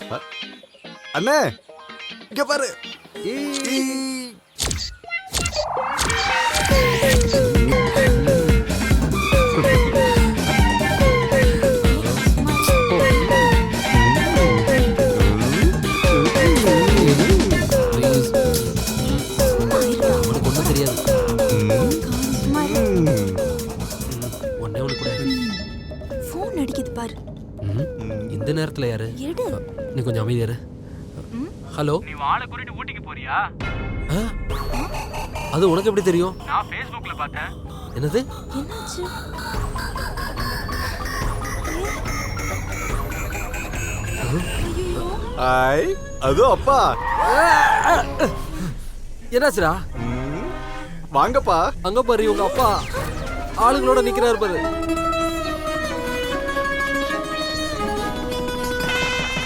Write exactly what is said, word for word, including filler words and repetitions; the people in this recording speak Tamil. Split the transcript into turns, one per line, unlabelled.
அண்ணே இங்க பாரு.
இந்த நேரத்துல யாரு?
எடு.
நீ கொஞ்சம் அமைதியா இரு. ஹலோ,
நீ வாளை கூட்டிட்டு ஊட்டிக்கு போறியா?
அது உனக்கு எப்படி தெரியும்?
நான் Facebookல பார்த்தேன்.
என்னது?
என்னாச்சு?
ஐ அது அப்பா.
என்னாச்சுடா?
வாங்கப்பா.
அங்க பாரு உங்க அப்பா ஆளுங்களோட நிக்கிறாரு பாரு.